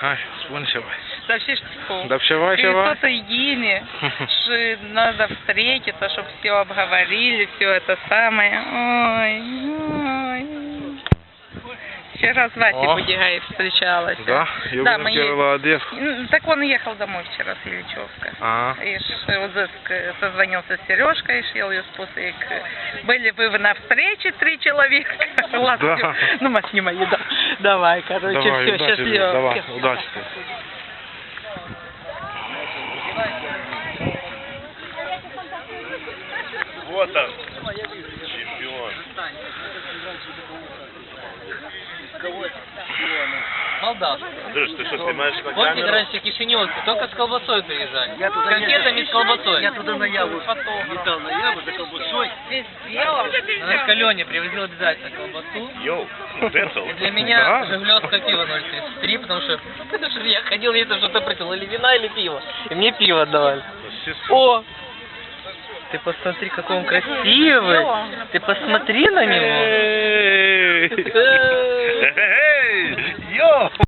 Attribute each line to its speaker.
Speaker 1: Ай, спонсор.
Speaker 2: Вообще что?
Speaker 1: Да вчера.
Speaker 2: Кто-то едине, что надо встретиться, чтобы все обговорили, все это самое. Ой. Вчера с Васей Будигаев встречалась.
Speaker 1: Да?
Speaker 2: Да, мы
Speaker 1: молодец.
Speaker 2: Так он ехал домой вчера с Ильичевска. И созвонился с Сережкой, шел ее спуск. Были вы на встрече 3 человека. Ладно,
Speaker 1: Да.
Speaker 2: ну, Машни мои, да. Давай, короче,
Speaker 1: Давай,
Speaker 2: все,
Speaker 1: удачи,
Speaker 2: счастливо.
Speaker 1: давай, удачи.
Speaker 3: Вот он, чемпион.
Speaker 4: Молдавский.
Speaker 3: Слушай, ты что, снимаешь на
Speaker 4: Помните,
Speaker 3: камеру?
Speaker 4: раньше кишиневцы только с колбасой приезжали? С конфетами с колбасой.
Speaker 5: Я туда на Яву летал, на Яву за колбасой.
Speaker 4: Она к Алене привозила обязательно колбасу.
Speaker 3: Йоу, Децл.
Speaker 4: И для меня жигулевское пиво 0,33, потому что я ходил, если что-то просил, или вина, или пиво. И мне пиво отдавали. О! Ты посмотри, какой он красивый. Ты посмотри на него.
Speaker 3: Йоу!